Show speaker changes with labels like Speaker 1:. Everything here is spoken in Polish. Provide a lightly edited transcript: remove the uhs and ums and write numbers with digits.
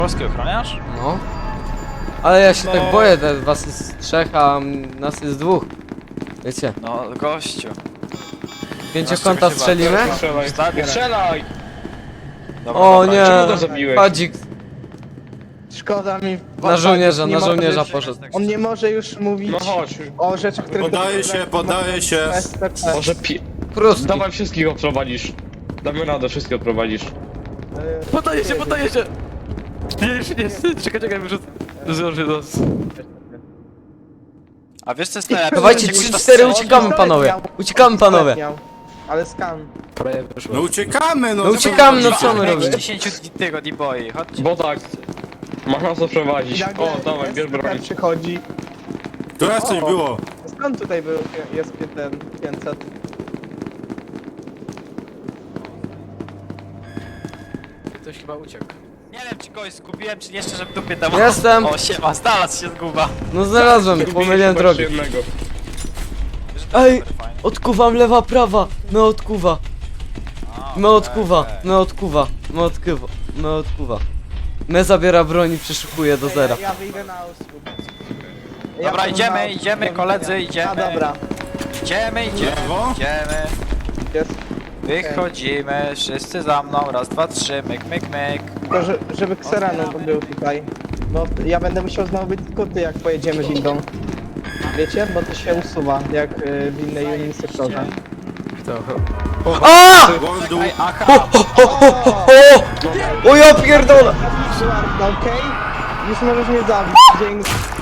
Speaker 1: Polski ochroniarz?
Speaker 2: No. Ale ja się tak boję, was jest 3, a nas jest 2. Wiecie,
Speaker 1: No, gościu.
Speaker 2: 5-kąta strzelimy?
Speaker 3: Strzelaj!
Speaker 1: Dobra,
Speaker 2: O
Speaker 1: dobra,
Speaker 2: nie,
Speaker 3: Czemu go zabiłeś?
Speaker 2: Padzik
Speaker 4: Szkoda mi...
Speaker 2: na żołnierza,
Speaker 4: nie
Speaker 2: na
Speaker 4: może
Speaker 2: żołnierza
Speaker 4: już-
Speaker 2: poszedł.
Speaker 4: On nie może już mówić
Speaker 3: No chodź.
Speaker 4: o rzeczach, które...
Speaker 5: Poddaję się.
Speaker 3: Może
Speaker 2: Kruski.
Speaker 3: Dawaj wszystkich odprowadzisz. Damy radę, wszystkich odprowadzisz.
Speaker 1: Poddaję się, poddaję się! Nie, czekaj, wyrzucę. Zdąży nas. A wiesz co jest najlepsze?
Speaker 2: Dawajcie
Speaker 1: Że musisz
Speaker 2: 3-4,
Speaker 1: to
Speaker 2: uciekamy panowie. Uciekamy panowie.
Speaker 4: Ale skan.
Speaker 5: No uciekamy, no.
Speaker 2: No uciekamy, no co my
Speaker 1: strzelić.
Speaker 2: robimy?
Speaker 1: 10 tego D-boy, chodźcie.
Speaker 3: Bo tak. Masz nas odprowadzić. O, dawaj, bierz broń.
Speaker 4: przychodzi.
Speaker 5: To raz coś było.
Speaker 4: Skąd tutaj był, jest ten 500?
Speaker 2: Ktoś chyba uciekł.
Speaker 1: Nie wiem czy kogoś zgubiłem, czy jeszcze, żeby dupie tam...
Speaker 2: Jestem.
Speaker 1: O, siema, znalazł się zguba.
Speaker 2: No znalazłem, pomyliłem drogę. Ej, odkuwam lewa, prawa. No odkuwa. No odkuwa, no odkuwa, no odkuwa, no odkuwa. Me zabiera broń i przeszukuje do zera.
Speaker 4: Ja wyjdę na usług.
Speaker 1: Dobra, idziemy, koledzy, idziemy.
Speaker 4: A dobra,
Speaker 1: Idziemy.
Speaker 5: Lewo?
Speaker 4: jest.
Speaker 1: Wychodzimy, wszyscy za mną, raz, dwa, trzy, myk, myk, myk.
Speaker 4: Tylko żeby Xerano był tutaj. Bo ja będę musiał znowu być skuty, jak pojedziemy windą. Wiecie? Bo to się usuwa, jak w innej unii sektorze.
Speaker 2: A!
Speaker 5: Wordu.
Speaker 1: Ej, aha!
Speaker 2: O ja pierdolę!
Speaker 4: Okej? Już możesz mnie zabić. Dzięki.